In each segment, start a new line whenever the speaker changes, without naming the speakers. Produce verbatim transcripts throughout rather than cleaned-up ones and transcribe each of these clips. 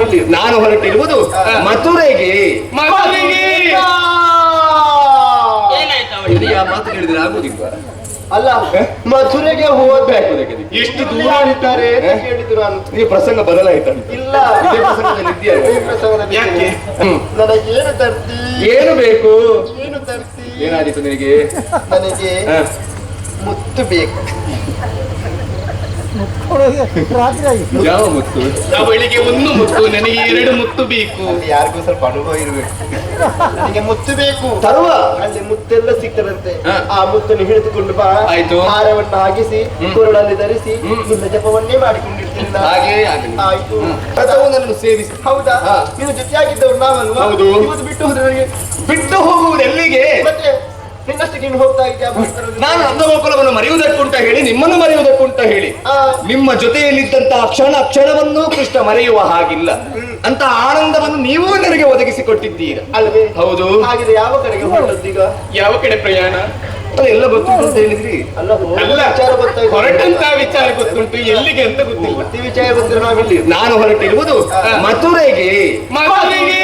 ಇಲ್ಲಿ ನಾನು ಹೊರಟಿರುವುದು ಮಥುರೆಗೆ. ಆ ಮಾತು ಕೇಳಿದ್ರೆ ಆಗುದಿಲ್ವಾ?
ಅಲ್ಲ, ಮಥುರೆಗೆ ಹೋಗ್ಬೇಕು. ಎಷ್ಟು ದೂರ ಇದ್ದಾರೆ ಕೇಳಿದ್ರು ನಾನು.
ಈ ಪ್ರಸಂಗ ಬದಲಾಯ್ತ?
ಇಲ್ಲ,
ಯಾಕೆ?
ನನಗೇನು ತರ್ತಿ?
ಏನು ಬೇಕು?
ಏನು ತರ್ತಿ?
ಏನಾದಿತ್ತು ನಿನಗೆ?
ನನಗೆ ಮುತ್ತು ಬೇಕು.
ಯಾವ ಮುತ್ತು?
ಅವಳಿಗೆ ಒಂದು ಮುತ್ತು, ನನಗೆ ಎರಡು ಮುತ್ತು ಬೇಕು.
ಯಾರಿಗೂ ಸ್ವಲ್ಪ ಅನುಭವ ಇರಬೇಕು. ನನಗೆ ಮುತ್ತು ಬೇಕು.
ತರುವ
ಅಲ್ಲಿ ಮುತ್ತೆಲ್ಲ ಸಿಗ್ತದಂತೆ.
ಹ.
ಆ ಮುತ್ತನ್ನು ಹಿಡಿದುಕೊಂಡು ಬಾ.
ಆಯ್ತು.
ಹಾರವನ್ನು ಹಾಕಿಸಿ ಕೊರಳಲ್ಲಿ ಧರಿಸಿ ನಿನ್ನ ಜಪವನ್ನೇ ಮಾಡಿಕೊಂಡಿರ್ತೀನಿ ನಾನು.
ಹಾಗೆ ಆಗಲಿ.
ಆಯ್ತು.
ನನ್ನನ್ನು ಸೇವಿಸಿ.
ಹೌದಾ?
ಹ.
ನೀನು ಜೊತೆಯಾಗಿದ್ದವ್ರು ನಾವಲ್ವಾ?
ಹೌದು.
ಇವತ್ತು ಬಿಟ್ಟು ಹೋದ್ರೆ ನನಗೆ
ಬಿಟ್ಟು ಹೋಗುವುದು ಎಲ್ಲಿಗೆ?
ಮತ್ತೆ ನಿನ್ನಷ್ಟಕ್ಕೆ ನೀನು ಹೋಗ್ತಾ ಇದ್ಯಾ?
ನಾನು ನಂದಗೋಕುಲವನ್ನು ಮರೆಯುವುದಕ್ಕುಂಟ ಹೇಳಿ ನಿಮ್ಮನ್ನು ಮರೆಯುವುದಕ್ಕುಂಟ ಹೇಳಿ
ಆ,
ನಿಮ್ಮ ಜೊತೆಯಲ್ಲಿದ್ದಂತಹ ಕ್ಷಣ ಕ್ಷಣವನ್ನು ಕೃಷ್ಣ ಮರೆಯುವ ಹಾಗಿಲ್ಲ ಅಂತ ಆನಂದವನ್ನು ನೀವೂ ನನಗೆ ಒದಗಿಸಿಕೊಟ್ಟಿದ್ದೀರ
ಅಲ್ವೇ?
ಹೌದು.
ಹಾಗಿದ್ರೆ ಯಾವ ಕಡೆಗೆ ಹೊರಟದ್ದೀಗ?
ಯಾವ ಕಡೆ ಪ್ರಯಾಣ?
ಅದು ಎಲ್ಲ ಗೊತ್ತುಂಟು ಅಂತ ಹೇಳಿದ್ರಿ.
ಅಲ್ಲ, ಹೋಗುವ
ಅಲ್ಲ,
ವಿಚಾರ ಗೊತ್ತಾಯ್ತು.
ಹೊರಟಂತ ವಿಚಾರ ಗೊತ್ತುಂಟು, ಎಲ್ಲಿಗೆ ಅಂತ ಗೊತ್ತಿಲ್ಲ.
ಪೂರ್ತಿ ವಿಚಾರ ಗೊತ್ತಿರೋ ನಾವಿಲ್ಲಿ.
ನಾನು ಹೊರಟಿರುವುದು ಮಥುರೆಗೆ.
ಮಗನಿಗೆ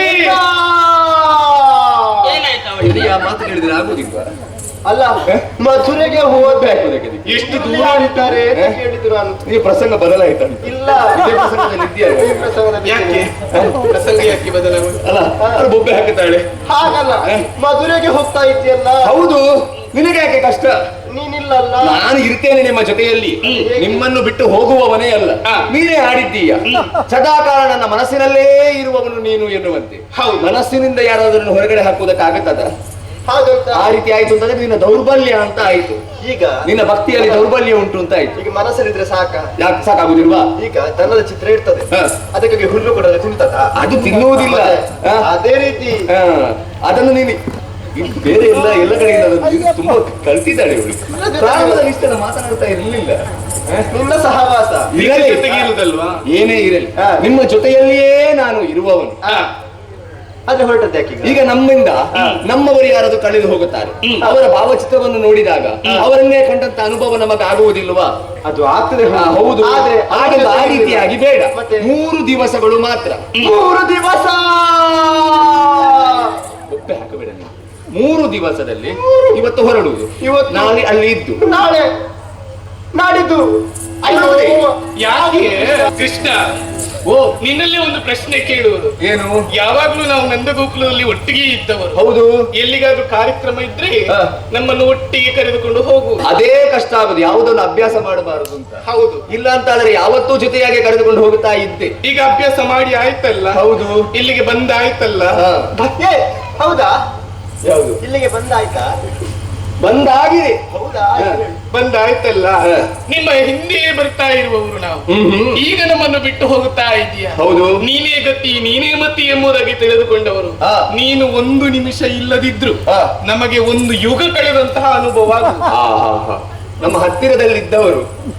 ಇಲ್ಲಿ ಆ ಮಾತು ಕೇಳಿದ್ರೆ ಆಗುದಿಲ್ವಾ?
ಅಲ್ಲ, ಮಥುರೆಗೆ ಹೋಗ್ಬೇಕು.
ಎಷ್ಟು
ದೂರ ಇದ್ದಾರೆ ಕೇಳಿದ್ರು ನಾನು.
ಈ ಪ್ರಸಂಗ ಬದಲಾಯ್ತ?
ಇಲ್ಲ,
ಇದೇ ಪ್ರಸಂಗದಲ್ಲಿ ಇದೆಯಾ?
ಈ ಪ್ರಸಂಗದಲ್ಲಿ
ಯಾಕೆ?
ಇದ್ದೇನೆ.
ಪ್ರಸಂಗ ಯಾಕೆ ಬದಲಾವಣೆ?
ಅಲ್ಲ, ಅದು ಬೊಬ್ಬೆ ಹಾಕುತ್ತಾಳೆ.
ಹಾಗಲ್ಲ, ಮಧುರೆಗೆ ಹೋಗ್ತಾ ಇದ್ದೀಯಲ್ಲ.
ಹೌದು. ನಿನಗೆ ಯಾಕೆ ಕಷ್ಟ?
ನೀನಿಲ್ಲಲ್ಲ.
ನಾನು ಇರ್ತೇನೆ ನಿಮ್ಮ ಜೊತೆಯಲ್ಲಿ. ನಿಮ್ಮನ್ನು ಬಿಟ್ಟು ಹೋಗುವವನೇ ಅಲ್ಲ. ನೀನೇ ಆಡಿದ್ದೀಯ ಸದಾಕಾಲ ನನ್ನ ಮನಸ್ಸಿನಲ್ಲೇ ಇರುವವನು ನೀನು ಎನ್ನುವಂತೆ.
ಹೌದು.
ಮನಸ್ಸಿನಿಂದ ಯಾರಾದ್ರೂ ಹೊರಗಡೆ ಹಾಕುವುದಕ್ಕಾಗತ್ತದ?
ಹಾಗಂತ
ಆ ರೀತಿ ಆಯ್ತು ಅಂತಂದ್ರೆ ನಿನ್ನ ದೌರ್ಬಲ್ಯ ಅಂತ ಆಯ್ತು.
ಈಗ
ನಿನ್ನ ಭಕ್ತಿಯಲ್ಲಿ ದೌರ್ಬಲ್ಯ ಉಂಟು ಅಂತ ಆಯ್ತು.
ಈಗ ಮನಸ್ಸಲ್ಲಿದ್ರೆ ಸಾಕ?
ಯಾಕೆ ಸಾಕಾಗುದಿಲ್ವಾ?
ಈಗ ದನದ ಚಿತ್ರ ಇರ್ತದೆ,
ಹ.
ಅದಕ್ಕಾಗಿ ಹುಲ್ಲು ಕೊಡೋದು ತಿಂತದ?
ಅದು ತಿನ್ನುವುದಿಲ್ಲ. ಹ.
ಅದೇ ರೀತಿ
ಹ. ಅದನ್ನು ನೀನು ಇಲ್ಲಿ ಬೇರೆ ಎಲ್ಲ ಎಲ್ಲ ಕಡೆಯಿಂದ ಅದನ್ನು ತುಂಬಾ ಕಲ್ತಿದ್ದಾಳೆ ಇವಳು. ಪ್ರಾರಂಭದಲ್ಲಿ ಇಷ್ಟೆಲ್ಲ ಮಾತನಾಡ್ತಾ ಇರಲಿಲ್ಲ.
ನಿನ್ನ ಸಹವಾಸ
ಇರಲಿ.
ಜೊತೆಗೆ ಇರುವುದಲ್ವಾ?
ಏನೇ ಇರಲಿ,
ಹ.
ನಿಮ್ಮ ಜೊತೆಯಲ್ಲಿಯೇ ನಾನು ಇರುವವನು.
ಅದೇ ಹೊರಟದ್ದು ಯಾಕೆ?
ಈಗ ನಮ್ಮಿಂದ ನಮ್ಮವರು ಯಾರಾದ್ರೂ ಕಳೆದು ಹೋಗುತ್ತಾರೆ, ಅವರ ಭಾವಚಿತ್ರವನ್ನು ನೋಡಿದಾಗ ಅವರನ್ನೇ ಕಂಡಂತ ಅನುಭವ ನಮಗೆ ಆಗುವುದಿಲ್ವಾ?
ಅದು ಆಗ್ತದೆ.
ಹಾ, ಹೌದು.
ಆದ್ರೆ
ಹಾಗೆಲ್ಲ ಆ ರೀತಿಯಾಗಿ ಬೇಡ.
ಮತ್ತೆ?
ಮೂರು ದಿವಸಗಳು ಮಾತ್ರ.
ಮೂರು ದಿವಸ
ಒಪ್ಪೆ ಹಾಕಬೇಡ ನೀನು. ಮೂರು ದಿವಸದಲ್ಲಿ ಇವತ್ತು ಹೊರಡುವುದು,
ಇವತ್ತು
ನಾಳೆ ಅಲ್ಲಿ ಇದ್ದು
ನಾಳೆ ನಾಡಿದ್ದು.
ಅಯ್ಯೋ,
ಯಾಕೆ ಕೃಷ್ಣ? ಓ, ನಿನ್ನಲ್ಲೇ ಒಂದು ಪ್ರಶ್ನೆ ಕೇಳುವುದು.
ಏನು?
ಯಾವಾಗ್ಲೂ ನಾವು ನಂದಗೋಕುಲದಲ್ಲಿ ಒಟ್ಟಿಗೆ ಇದ್ದವರು.
ಹೌದು.
ಎಲ್ಲಿಗಾದ್ರೂ ಕಾರ್ಯಕ್ರಮ ಇದ್ರೆ
ಹ.
ನಮ್ಮನ್ನು ಒಟ್ಟಿಗೆ ಕರೆದುಕೊಂಡು ಹೋಗು.
ಅದೇ ಕಷ್ಟ ಆಗುದು, ಯಾವುದನ್ನು ಅಭ್ಯಾಸ ಮಾಡಬಾರದು ಅಂತ.
ಹೌದು.
ಇಲ್ಲ ಅಂತ ಆದ್ರೆ ಯಾವತ್ತೂ ಜೊತೆಯಾಗಿ ಕರೆದುಕೊಂಡು ಹೋಗುತ್ತಾ ಇದ್ದೆ.
ಈಗ ಅಭ್ಯಾಸ ಮಾಡಿ ಆಯ್ತಲ್ಲ?
ಹೌದು.
ಇಲ್ಲಿಗೆ ಬಂದ ಆಯ್ತಲ್ಲ?
ಹ.
ಏ, ಹೌದಾ?
ಯಾವುದು?
ಇಲ್ಲಿಗೆ ಬಂದಾಯ್ತಾ?
ಬಂದಾಗಿದೆ.
ಹೌದಾ?
ಹ.
ಬಂದ ಆಯ್ತಲ್ಲ?
ಹ.
ನಿಮ್ಮ ಹಿಂದೆ ಬರ್ತಾ ಇರುವವರು ನಾವು.
ಹ್ಮ್ ಹ್ಮ್.
ಈಗ ನಮ್ಮನ್ನು ಬಿಟ್ಟು ಹೋಗುತ್ತಾ ಇದೀಯ.
ಹೌದು.
ನೀನೇ ಗತಿ, ನೀನೇ ಮತಿ ಎಂಬುದಾಗಿ ತಿಳಿದುಕೊಂಡವರು.
ಹ.
ನೀನು ಒಂದು ನಿಮಿಷ ಇಲ್ಲದಿದ್ರು
ಹ.
ನಮಗೆ ಒಂದು ಯುಗ ಕಳೆದಂತಹ ಅನುಭವ ಆಗುವುದು.
ಆ, ಹಾ, ಹಾ. ನಮ್ಮ ಹತ್ತಿರದಲ್ಲಿದ್ದವರು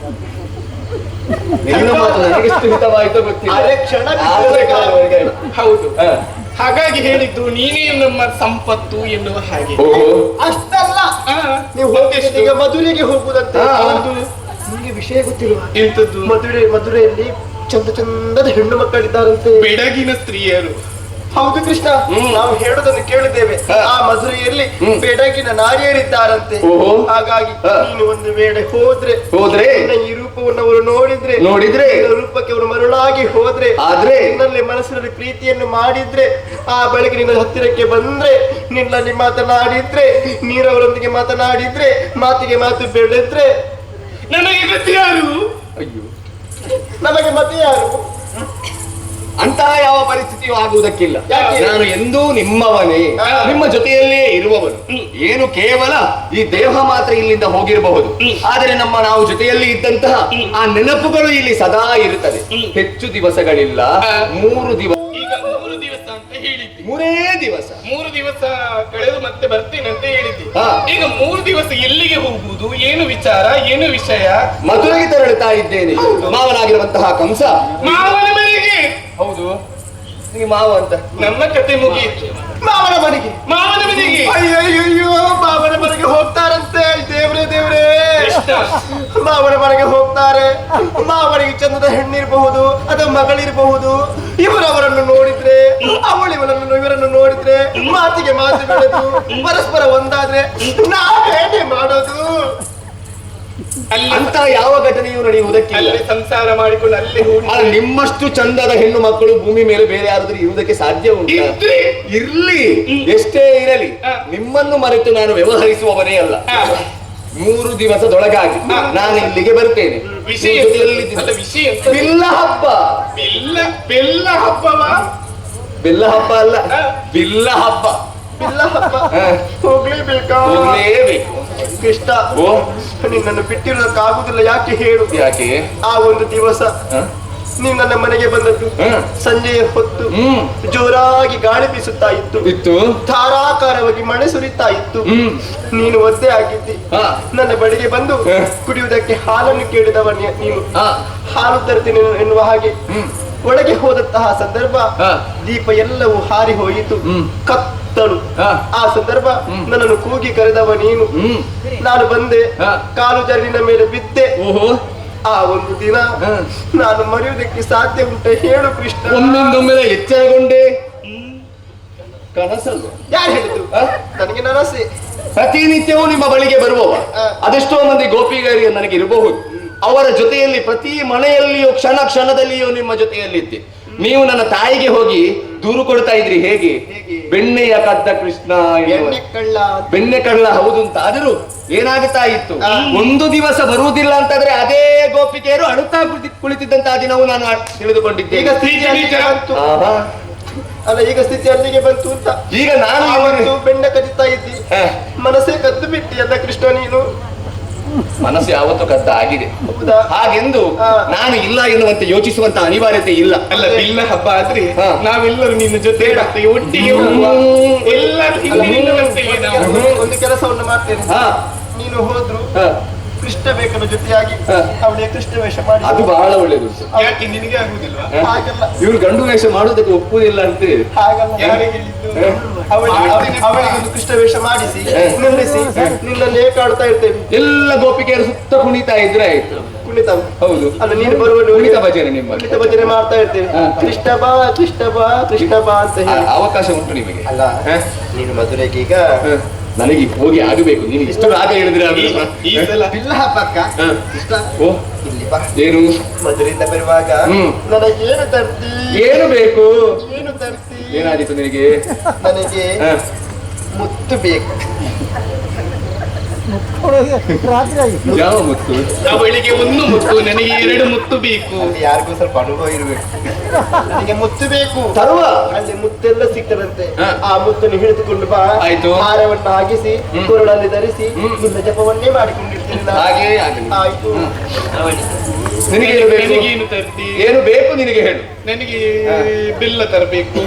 ನಿನ್ನ ಮಾತು ನನಗೆಷ್ಟು ಹಿತವಾಯಿತೋ ಗೊತ್ತಿಲ್ಲ.
ಅರೆ ಕ್ಷಣ
ಆದರೆ ಕಾಲವರೆಗೆ ಆಯ್ತು.
ಹೌದು.
ಹ.
ಹಾಗಾಗಿ ಹೇಳಿದ್ದು ನೀನೇ ನಮ್ಮ ಸಂಪತ್ತು ಎನ್ನುವ ಹಾಗೆ.
ಓ.
ಅಷ್ಟಲ್ಲ,
ಆ,
ನೀವು
ಮತ್ತೆಷ್ಟು?
ಈಗ ಮಧುರೆಗೆ ಹೋಗುದಂತೆ.
ಹಾ.
ಹೌದು.
ನಿಮಗೆ ವಿಷಯ ಗೊತ್ತಿಲ್ವಾ?
ಎಂತದ್ದು?
ಮಧುರೆ ಮಧುರೆಯಲ್ಲಿ ಚಂದ ಚಂದದ ಹೆಣ್ಣು ಮಕ್ಕಳಿದ್ದಾರಂತೆ.
ಬೆಡಗಿನ ಸ್ತ್ರೀಯರು.
ಹೌದು ಕೃಷ್ಣ,
ಹ್ಮ್.
ನಾವು ಹೇಳೋದನ್ನು ಕೇಳಿದ್ದೇವೆ.
ಹ.
ಆ ಮಧುರೆಯಲ್ಲಿ
ಹ್ಮ್.
ಬೆಡಗಿನ ನಾರಿಯರಿದ್ದಾರಂತೆ.
ಓಹೋ.
ಹಾಗಾಗಿ
ಹ.
ನೀನು ಒಂದು ವೇಳೆ ಹೋದ್ರೆ
ಹೋದ್ರೆ
ನಿನ್ನ ಈ ರೂಪವನ್ನು ಅವರು ನೋಡಿದ್ರೆ
ನೋಡಿದ್ರೆ
ನಿನ್ನ ರೂಪಕ್ಕೆ ಅವರು ಮರುಳಾಗಿ ಹೋದ್ರೆ
ಆದ್ರೆ
ನಿನ್ನಲ್ಲಿ ಮನಸ್ಸಿನಲ್ಲಿ ಪ್ರೀತಿಯನ್ನು ಮಾಡಿದ್ರೆ ಆ ಬಳಿಕ ನಿನ್ನ ಹತ್ತಿರಕ್ಕೆ ಬಂದ್ರೆ ನಿನ್ನಲ್ಲಿ ಮಾತನಾಡಿದ್ರೆ ನೀರವರೊಂದಿಗೆ ಮಾತನಾಡಿದ್ರೆ ಮಾತಿಗೆ ಮಾತು ಬೆಳೆದ್ರೆ
ನನಗೆ ಗತಿ ಯಾರು?
ಅಯ್ಯೋ,
ನಮಗೆ ಮತ್ತೆ ಯಾರು?
ಅಂತಹ ಯಾವ ಪರಿಸ್ಥಿತಿಯೂ ಆಗುವುದಕ್ಕಿಲ್ಲ.
ಯಾಕೆ?
ನಾನು ಎಂದೂ ನಿಮ್ಮವನೇ,
ಹಾ.
ನಿಮ್ಮ ಜೊತೆಯಲ್ಲೇ ಇರುವವನು. ಏನು ಕೇವಲ ಈ ದೇಹ ಮಾತ್ರ ಇಲ್ಲಿಂದ ಹೋಗಿರಬಹುದು, ಆದರೆ ನಮ್ಮ ನಾವು ಜೊತೆಯಲ್ಲಿ ಇದ್ದಂತಹ ಆ ನೆನಪುಗಳು ಇಲ್ಲಿ ಸದಾ ಇರುತ್ತದೆ. ಹೆಚ್ಚು ದಿವಸಗಳಿಲ್ಲ,
ಹಾ.
ಮೂರು ದಿವಸ.
ಈಗ ಮೂರು ದಿವಸ ಅಂತ ಹೇಳಿದ್ದಿ.
ಮೂರೇ ದಿವಸ.
ಮೂರು ದಿವಸ ಕಳೆದು ಮತ್ತೆ ಬರ್ತೇನೆ ಅಂತ ಹೇಳಿದ್ದಿ.
ಹಾ.
ಈಗ ಮೂರು ದಿವಸ ಎಲ್ಲಿಗೆ ಹೋಗುವುದು? ಏನು ವಿಚಾರ, ಏನು ವಿಷಯ?
ಮಧುರೆಗೆ ತೆರಳುತ್ತಾ ಇದ್ದೇನೆ. ಮಾವನಾಗಿರುವಂತಹ ಕಂಸ
ಮಾವನ ಮನೆಗೆ.
ಹೌದು, ನಿಮಗೆ ಮಾವ ಅಂತ.
ನಮ್ಮ ಕತೆ ಮುಗಿಯಿತು.
ಮಾವನ ಮನೆಗೆ.
ಮಾವನ ಮನೆಗೆ.
ಅಯ್ಯೋ ಅಯ್ಯೋ, ಮಾವನ ಮನೆಗೆ ಹೋಗ್ತಾರಂತೆ. ದೇವ್ರೇ ದೇವ್ರೇ,
ಕೃಷ್ಣ.
ಮಾವನ ಮನೆಗೆ ಹೋಗ್ತಾರೆ. ಮಾವನಿಗೆ ಚಂದದ ಹೆಣ್ಣಿರಬಹುದು ಅಥವಾ ಮಗಳಿರಬಹುದು. ಇವರು ಅವರನ್ನು ಮಾತಿಗೆ ಮಾತು ಬೆಳೆದು ಪರಸ್ಪರ ಒಂದಾದ್ರೆ ನಾವೇನೇ ಮಾಡೋದು?
ಅಲ್ಲಿ
ಅಂತ ಯಾವ ಘಟನೆಯೂ ನಡೆಯುವುದಕ್ಕಿಲ್ಲ.
ಅಲ್ಲಿ ಸಂಸಾರ ಮಾಡಿಕೊಂಡು ಅಲ್ಲಿ ಹೂಡಿ
ಆದ್ರೆ ನಿಮ್ಮಷ್ಟು ಚಂದದ ಹೆಣ್ಣು ಮಕ್ಕಳು ಭೂಮಿ ಮೇಲೆ ಬೇರೆ ಯಾರಾದ್ರೂ ಇರುವುದಕ್ಕೆ ಸಾಧ್ಯ ಉಂಟು?
ಇದ್ರೆ
ಇರ್ಲಿ, ಎಷ್ಟೇ ಇರಲಿ,
ಹ.
ನಿಮ್ಮನ್ನು ಮರೆತು ನಾನು ವ್ಯವಹರಿಸುವವನೇ ಅಲ್ಲ.
ಹ.
ಮೂರು ದಿವಸದೊಳಗಾಗಿ ನಾನು ಇಲ್ಲಿಗೆ ಬರ್ತೇನೆ.
ವಿಷಯ
ನಿಮ್ಮ ಜೊತೆಯಲ್ಲಿ
ಅಲ್ಲ ವಿಷಯ ಎಂತ?
ಬಿಲ್ಲ ಹಬ್ಬ.
ಬೆಲ್ಲ ಬೆಲ್ಲ ಹಬ್ಬವಾ?
ಬೆಲ್ಲ ಹಬ್ಬ ಅಲ್ಲ,
ಹ.
ಬಿಲ್ಲ ಹಬ್ಬ.
ಇಲ್ಲ ಹಬ್ಬ
ಹ.
ಹೋಗ್ಲೇಬೇಕಾ?
ಹೋಗ್ಲೇಬೇಕು.
ಕೃಷ್ಣ,
ಓ
ನಿನ್ನನ್ನು ಬಿಟ್ಟಿರೋದಕ್ಕಾಗುದಿಲ್ಲ. ಯಾಕೆ ಹೇಳು?
ಯಾಕೆ?
ಆ ಒಂದು ದಿವಸ
ಹ?
ನೀವು ನನ್ನ ಮನೆಗೆ ಬಂದದ್ದು
ಹ.
ಸಂಜೆಯ ಹೊತ್ತು
ಹ್ಮ್
ಜೋರಾಗಿ ಗಾಳಿ ಬೀಸುತ್ತಾ ಇತ್ತು,
ಇತ್ತು.
ಧಾರಾಕಾರವಾಗಿ ಮಳೆ ಸುರಿತಾ ಇತ್ತು.
ಹ್ಮ್
ನೀನು ಒದ್ದೆ ಆಗಿದ್ದಿ.
ಹ.
ನನ್ನ ಬಳಿಗೆ ಬಂದು
ಹ.
ಕುಡಿಯುವುದಕ್ಕೆ ಹಾಲನ್ನು ಕೇಳಿದವ ನೀ- ನೀನು.
ಹ.
ಹಾಲು ತರ್ತೀನಿ ಎನ್ನುವ ಹಾಗೆ
ಹ್ಮ್
ಒಳಗೆ ಹೋದಂತಹ ಸಂದರ್ಭ
ಹ.
ದೀಪ ಎಲ್ಲವೂ ಹಾರಿ ಹೋಯಿತು.
ಹ್ಮ್.
ಕತ್ತಲು.
ಹ.
ಆ ಸಂದರ್ಭ
ಹ್ಮ್.
ನನ್ನನ್ನು ಕೂಗಿ ಕರೆದವ ನೀನು.
ಹ್ಮ್
ನಾನು ಬಂದೆ,
ಹ.
ಕಾಲು ಜರಿನ ಮೇಲೆ ಬಿದ್ದೆ.
ಓಹೋ,
ಆ ಒಂದು ದಿನ
ಹ.
ನಾನು ಮರೆಯುವುದಕ್ಕೆ ಸಾಧ್ಯ ಉಂಟೆ? ಹೇಳು ಕೃಷ್ಣ.
ಒಮ್ಮಿಂದೊಮ್ಮೆಲೆ ಎಚ್ಚರಗೊಂಡೆ. ಕನಸಲ್ಲ?
ಯಾರು ಹೇಳಿದ್ರು?
ಹ?
ನನಗೆ ನನಸೆ.
ಪ್ರತಿನಿತ್ಯವೂ ನಿಮ್ಮ ಬಳಿಗೆ ಬರುವವ
ಹ.
ಅದೆಷ್ಟೋ ಮಂದಿ ಗೋಪಿಗರಿಗೆ ನನಗೆ ಇರಬಹುದು. ಅವರ ಜೊತೆಯಲ್ಲಿ ಪ್ರತಿ ಮನೆಯಲ್ಲಿಯೂ ಕ್ಷಣ ಕ್ಷಣದಲ್ಲಿಯೂ ನಿಮ್ಮ ಜೊತೆಯಲ್ಲಿದ್ದೆ. ನೀವು ನನ್ನ ತಾಯಿಗೆ ಹೋಗಿ ದೂರು ಕೊಡ್ತಾ ಇದ್ರಿ. ಹೇಗೆ?
ಹೇಗೆ?
ಬೆಣ್ಣೆಯ ಕದ್ದ ಕೃಷ್ಣ ಎನ್ನುವ.
ಎಣ್ಣೆ ಕಳ್ಳ.
ಬೆಣ್ಣೆ ಕಳ್ಳ ಹೌದು ಅಂತ. ಆದರೂ ಏನಾಗುತ್ತಾ ಇತ್ತು,
ಹ.
ಒಂದು ದಿವಸ ಬರುವುದಿಲ್ಲ ಅಂತಂದ್ರೆ ಅದೇ ಗೋಪಿಕೆಯರು ಅಳುತ್ತಾ ಕುಳಿತಿ ಕುಳಿತಿದ್ದಂತಹ ದಿನವೂ ನಾನು ತಿಳಿದುಕೊಂಡಿದ್ದೆ.
ಈಗ ಸ್ಥಿತಿ ಅಲ್ಲಿಗೆ ಬಂತು.
ಆಹಾ.
ಅಲ್ಲ, ಈಗ ಸ್ಥಿತಿ ಅಲ್ಲಿಗೆ ಬಂತು ಅಂತ.
ಈಗ ನಾನು
ಆವತ್ತು
ಇವನಿಗೆ-
ಬೆಣ್ಣೆ ಕದಿತಾ ಇದ್ದಿ,
ಹ.
ಮನಸ್ಸೇ ಕದ್ದು ಬಿಟ್ಟಿ ಅಲ್ಲ ಕೃಷ್ಣ ನೀನು.
ಮನಸ್ಸು ಯಾವತ್ತೂ ಕದ್ದ ಆಗಿದೆ.
ಹೌದಾ?
ಹಾಗೆಂದು
ಹ.
ನಾನು ಇಲ್ಲ ಎನ್ನುವಂತೆ ಯೋಚಿಸುವಂತ ಅನಿವಾರ್ಯತೆ ಇಲ್ಲ.
ಅಲ್ಲ ಬಿಲ್ಲ ಹಬ್ಬ ಆದ್ರೆ
ಹ.
ನಾವೆಲ್ಲರೂ ನಿನ್ನ ಜೊತೆ ಬರ್ತೇವೆ, ಒಟ್ಟಿಗೆ ಹೋಗುವ.
ಹ್ಮ್.
ಎಲ್ಲರೂ
ಅಲ್ಲ,
ಹಿಂದಿನಿಂದ ಬರ್ತೇವೆ ನಾವು.
ಒಂದು- ಒಂದು ಕೆಲಸವನ್ನು ಮಾಡ್ತೇನೆ.
ಹ.
ನೀನು ಹೋದ್ರು
ಹ.
ಕೃಷ್ಣ ಬೇಕನ ಜೊತೆಯಾಗಿ
ಹ.
ಅವಳಿಗೆ ಕೃಷ್ಣ ವೇಷ ಮಾಡಿ.
ಅದು ಬಹಳ ಒಳ್ಳೇದು.
ಯಾಕೆ ನಿನಗೆ ಆಗುದಿಲ್ವಾ?
ಹಾಗಲ್ಲ,
ಇವ್ರು ಗಂಡು ವೇಷ ಮಾಡೋದಕ್ಕೆ ಒಪ್ಪುವುದಿಲ್ಲ ಅಂತೆ.
ಹಾಗಲ್ಲ.
ಯಾರಿಗೆ ಹೇಳಿದ್ದು?
ಹ.
ಅವಳಿಗೆ ಅವಳಿಗೆ ಒಂದು ಕೃಷ್ಣ ವೇಷ ಮಾಡಿಸಿ
ಹ.
ನಿಲ್ಲಿಸಿ ನಿನ್ನನ್ನು ಏಕಾಡ್ತಾ ಇರ್ತೇವೆ.
ಎಲ್ಲ ಗೋಪಿಕೆಯರು ಸುತ್ತ ಕುಣಿತಾ ಇದ್ರೆ ಆಯ್ತು.
ಕುಣಿತ.
ಹೌದು.
ಅಲ್ಲ, ನೀನು ಬರುವ
ಕುಣಿತ ಭಜನೆ ನಿಮ್ಮಲ್ಲಿ.
ಕುಣಿತ ಭಜನೆ ಮಾಡ್ತಾ ಇರ್ತೇವೆ.
ಹ.
ಕೃಷ್ಣ ಬಾ ಕೃಷ್ಣ ಬಾ ಕೃಷ್ಣ ಬಾ ಅಂತ
ಆ,
ಹೇಳಿ.
ಅವಕಾಶ ಉಂಟು ನಿಮಗೆ.
ಅಲ್ಲ,
ಹ?
ನೀನು ಮಧುರೆಗೆ ಈಗ
ಹ. ನನಗೆ ಹೋಗಿ ಆಗಬೇಕು. ನೀನು ಇಷ್ಟು ರಾಗ ಹೇಳಿದ್ರೆ
ಈ- ಈ ಸಲ
ಬಿಲ್ಲ ಹಬ್ಬಕ್ಕ
ಹ.
ಕೃಷ್ಣ
ಓ,
ಇಲ್ಲಿ ಬಾ.
ಏನು
ಮಧುರೆಯಿಂದ ಬರುವಾಗ
ಹ್ಮ್.
ನನಗೇನು ತರ್ತಿ?
ಏನು ಬೇಕು?
ಏನು ತರ್ತಿ?
ಏನಾದೀತು ನಿನಗೆ?
ನನಗೆ
ಹ.
ಮುತ್ತು ಬೇಕು.
ಯಾವ ಮುತ್ತು?
ಅವಳಿಗೆ ಒಂದು ಮುತ್ತು, ನನಗೆ ಎರಡು ಮುತ್ತು ಬೇಕು.
ಅಲ್ಲಿ ಯಾರಿಗೂ ಸ್ವಲ್ಪ ಅನುಭವ ಇರಬೇಕು. ನನಗೆ ಮುತ್ತು ಬೇಕು.
ತರುವ.
ಅಲ್ಲಿ ಮುತ್ತೆಲ್ಲ ಸಿಗ್ತದಂತೆ.
ಹ.
ಆ ಮುತ್ತನ್ನು ಹಿಡಿದುಕೊಂಡು ಬಾ.
ಆಯ್ತು.
ಹಾರವನ್ನು ಹಾಕಿಸಿ
ಹ್ಮ್.
ಕೊರಳಲ್ಲಿ ಧರಿಸಿ
ಹ್ಮ್.
ನಿನ್ನ ಜಪವನ್ನೇ ಮಾಡಿಕೊಂಡಿರ್ತೀನಿ ನಾನು.
ಹಾಗೇ ಆಗಲಿ.
ಆಯ್ತು.
ನಿನಗೆ ಏನು ಬೇಕು?
ನನಗೇನು ತರ್ತಿ?
ಏನು ಬೇಕು ನಿನಗೆ ಹೇಳು.
ನನಗೆ
ಹ.
ಬೆಲ್ಲ ತರಬೇಕು.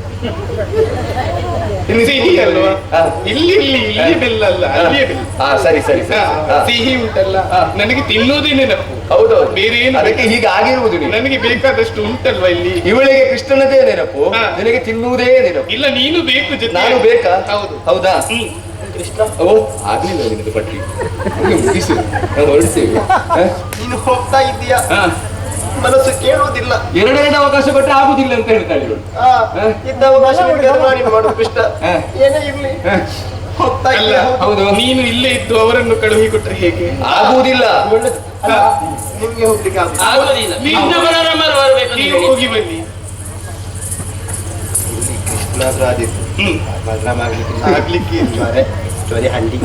ಇಲ್ಲಿ
ಸಿಹಿ ಅಲ್ವಾ?
ಹ.
ಇಲ್ಲಿ ಇಲ್ಲಿ ಇಲ್ಲಿ ಬೆಲ್ಲ ಅಲ್ಲ, ಅಲ್ಲಿಯೇ ಬೆಲ್ಲ.
ಹಾ, ಸರಿ ಸರಿ ಸರಿ.
ಹ,
ಹ.
ಸಿಹಿ ಉಂಟಲ್ಲ,
ಹ.
ನನಗೆ ತಿನ್ನೋದೇ ನೆನಪು.
ಹೌದೌದು.
ಬೇರೆ ಏನು
ಅದಕ್ಕೆ ಹೀಗೆ ಆಗಿರುವುದು ನೀನು.
ನನಗೆ ಬೇಕಾದಷ್ಟು ಉಂಟಲ್ವಾ ಇಲ್ಲಿ.
ಇವಳಿಗೆ ಕೃಷ್ಣನದೇ ನೆನಪು,
ಹ.
ನಿನಗೆ ತಿನ್ನುವುದೇ ನೆನಪು.
ಇಲ್ಲ, ನೀನು ಬೇಕು ಜೊತೆ.
ನಾನು ಬೇಕಾ?
ಹೌದು.
ಹೌದಾ?
ಹ್ಮ್.
ಕೃಷ್ಣ,
ಓ, ಆಗ್ಲಿಲ್ಲ ನಿನ್ನದು ಪಟ್ಟಿ. ಇನ್ನು ಮುಗಿಸು, ನಾವು ಹೊರಡ್ತೇವೆ. ಹ?
ನೀನು ಹೋಗ್ತಾ ಇದ್ದೀಯಾ,
ಹ.
ಮನಸ್ಸು ಕೇಳುವುದಿಲ್ಲ.
ಎರಡೆರಡು ಅವಕಾಶ ಕೊಟ್ಟರೆ ಆಗುದಿಲ್ಲ ಅಂತ ಹೇಳ್ತಾಳೆ ಇವಳು.
ಆ,
ಹ?
ಇದ್ದ ಅವಕಾಶ ನಿನಗೆ ಅದು ಮಾಡಿ ಮಾಡು ಕೃಷ್ಣ.
ಹ.
ಏನೇ ಇರ್ಲಿ
ಹ.
ಹೋಗ್ತಾ
ಅಲ್ಲ,
ಇದ್ದೀಯಾ? ಹೌದು.
ಹೌದು.
ನೀನು ಇಲ್ಲೇ ಇದ್ದು ಅವರನ್ನು ಕಳುಹಿ ಕೊಟ್ರೆ ಹೇಗೆ?
ಆಗುವುದಿಲ್ಲ.
ಒಳ್ಳೆದು. ಅಲ್ಲ, ನಿಮ್ಗೆ ಹೋಗ್ಲಿಕ್ಕೆ ಆಗುದಿಲ್ಲ.
ಆಗೋದಿಲ್ಲ.
ನೀವು-
ನಿನ್ನ ಬರೋರಮ್ಮರು ಬರ್ಬೇಕು
ನೀವು
ನೀವು.
ಹೋಗಿ ಬನ್ನಿ.
ಕೃಷ್ಣಾದ್ರೂ ಆದಿತ್ತು.
ಹ್ಮ್.
ಬಲರಾಮ ಆಗ್ಲಿಕ್ಕೆ
ಆಗ್ಲಿಕ್ಕೆ
ಜ್ವರ ಜ್ವರ ಹಂಡಿ.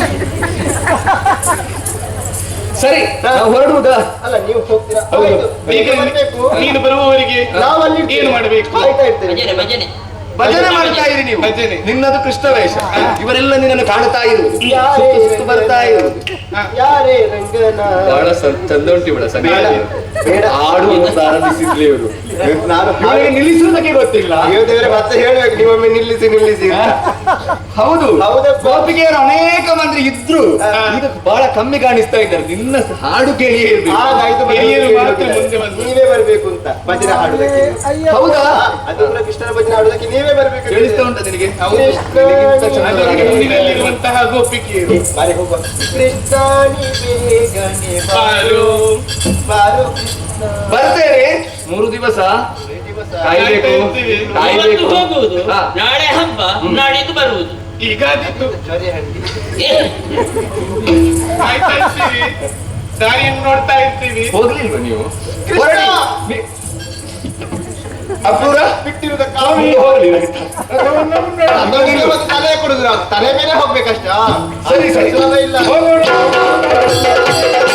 ಸರಿ, ನಾವು ಹೊರಡುವುದಾ?
ಅಲ್ಲ, ನೀವು ಹೋಗ್ತೀರಾ?
ಹೌದು.
ಆಯ್ತು.
ಈಗ
ಬೇಗ ಬರ್ಬೇಕು.
ನೀನು ಬರುವವರೆಗೆ
ನಾವಲ್ಲಿ
ಏನು ಮಾಡಬೇಕು?
ಕಾಯ್ತಾ ಇರ್ತೇವೆ.
ಭಜನೆ ಭಜನೆ
ಭಜನೆ ಮಾಡ್ತಾ ಇರಿ ನೀವು.
ಭಜನೆ.
ನಿನ್ನದು ಕೃಷ್ಣ ವೇಷ. ಇವರೆಲ್ಲ ನಿನ್ನನ್ನು ಕಾಣುತ್ತಾ ಇರುವುದು,
ಯಾರೇ
ಸುತ್ತು ಸುತ್ತು ಬರ್ತಾ ಇರುವುದು.
ಹ.
ಯಾರೇ ರಂಗನ
ಬಹಳ ಸ- ಚಂದ ಉಂಟು ಇವಳ ಸಂಗೀತ.
ಬೇಡ.
ಆಡುವನ್ನು ಪ್ರಾರಂಭಿಸಿದ್ಲಿ ಇವರು.
ನಾನು
ಇವರಿಗೆ ನಿಲ್ಲಿಸುವುದಕ್ಕೆ ಗೊತ್ತಿಲ್ಲ.
ಅಯ್ಯೋ ದೇವರೇ, ಮತ್ತೆ ಹೇಳ್ಬೇಕು ನೀವೊಮ್ಮೆ ನಿಲ್ಲಿಸಿ ನಿಲ್ಲಿಸಿ ಅಂತ.
ಹೌದು,
ಹೌದಪ್ಪ.
ಗೋಪಿಗೆಯರು ಅನೇಕ ಮಂದಿ ಇದ್ರು.
ಹಾ.
ಈಗ ಬಹಳ ಕಮ್ಮಿ ಕಾಣಿಸ್ತಾ ಇದ್ದಾರೆ. ನಿನ್ನ ಹಾಡು ಕೇಳಿಯೇ ಇರ್ಬೇಕು.
ಆಗ ಐದು ಮಂದಿ
ಹಿರಿಯರು ಮಾತ್ರ
ಹೇಳುವುದಿಲ್ಲ.
ಮುಂದೆ ಬಂದ್ರು.
ನೀವೇ ಬರ್ಬೇಕು ಅಂತ ಭಜನೆ ಹಾಡುದಕ್ಕೆ.
ಹೌದಾ?
ಆ, ಅದು ಕೂಡ ಕೃಷ್ಣನ ಭಜನೆ ಹಾಡುದಕ್ಕೆ ನೀವೇ ಬರ್ಬೇಕು.
ಕೇಳಿಸ್ತಾ ಉಂಟ ನಿನಗೆ?
ಹೌದು.
ನಿನಗಿಂತ
ಅದು
ಚಂದವಾಗಿ
ಮುಂದಿನಲ್ಲಿರುವಂತಹ ಗೋಪಿಕೆಯರು.
ಬಾರಿ ಹೋಗುವ. ಕೃಷ್ಣಾನಿ ಬೇಗನೆ
ಬಾರು.
ಬಾರು ಕೃಷ್ಣ.
ಬರ್ತೇವೆ ಮೂರು ದಿವಸ.
ಈ ದಿವಸ
ಕಾಯ್ಬೇಕು
ಇವತ್ತು
ಕಾಯ್ಬೇಕು
ಹೋಗುವುದು
ಹಾ.
ನಾಳೆ ಹಬ್ಬ ನಾಡಿದ್ದು ಬರುವುದು
ಈಗ ಆದಿತ್ತು
ಸರಿ ಹಂಡಿ
ಕಾಯ್ತಾ ಇರ್ತೀವಿ ದಾರಿಯನ್ನು ನೋಡ್ತಾ ಇರ್ತೀವಿ.
ಹೋಗ್ಲಿಲ್ವ ನೀವು
ಕೃಷ್ಣ!
ಹೊರಡಿ. ಬಿ- ಅಪೂರ
ಬಿಟ್ಟಿರುವುದ
ನೀವು ಹೋಗ್ಲಿ
ತಲೆ ಕೊಡುದ್ರ ತಲೆ ಮೇಲೆ ಹೋಗ್ಬೇಕಷ್ಟ
ಸರಿ ಸರಿ
ಇಲ್ಲ
ಹೋಗೋಣ.